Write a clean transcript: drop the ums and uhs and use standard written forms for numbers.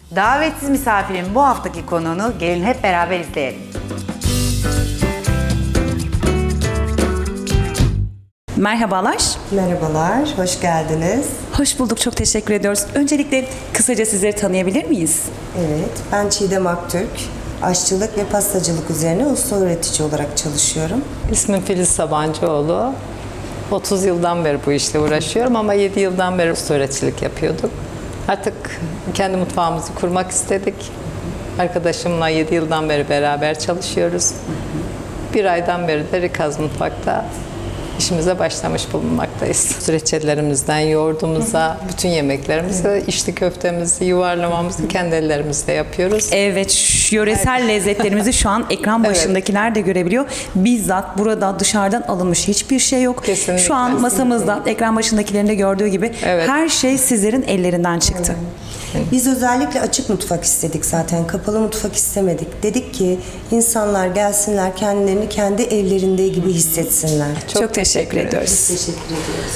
Davetsiz misafirin bu haftaki konuğunu gelin hep beraber izleyelim. Merhabalar. Merhabalar, hoş geldiniz. Hoş bulduk, çok teşekkür ediyoruz. Öncelikle kısaca sizleri tanıyabilir miyiz? Evet, ben Çiğdem Aktürk. Aşçılık ve pastacılık üzerine usta öğretici olarak çalışıyorum. İsmim Filiz Sabancıoğlu. 30 yıldan beri bu işle uğraşıyorum ama 7 yıldan beri usta öğreticilik yapıyorduk. Artık kendi mutfağımızı kurmak istedik. Arkadaşımla 7 yıldan beri beraber çalışıyoruz. Bir aydan beri de Rikaz Mutfak'ta işimize başlamış bulunmaktayız. Reçellerimizden yoğurdumuza, bütün yemeklerimizi, içli köftemizi, yuvarlamamızı kendi ellerimizle yapıyoruz. Evet, yöresel lezzetlerimizi şu an ekran başındakiler de görebiliyor. Bizzat burada dışarıdan alınmış hiçbir şey yok. Kesinlikle. Şu an masamızda ekran başındakilerin de gördüğü gibi her şey sizlerin ellerinden çıktı. Biz özellikle açık mutfak istedik zaten, kapalı mutfak istemedik. Dedik ki insanlar gelsinler, kendilerini kendi evlerinde gibi hissetsinler. Çok teşekkür ediyoruz. Teşekkür ediyoruz.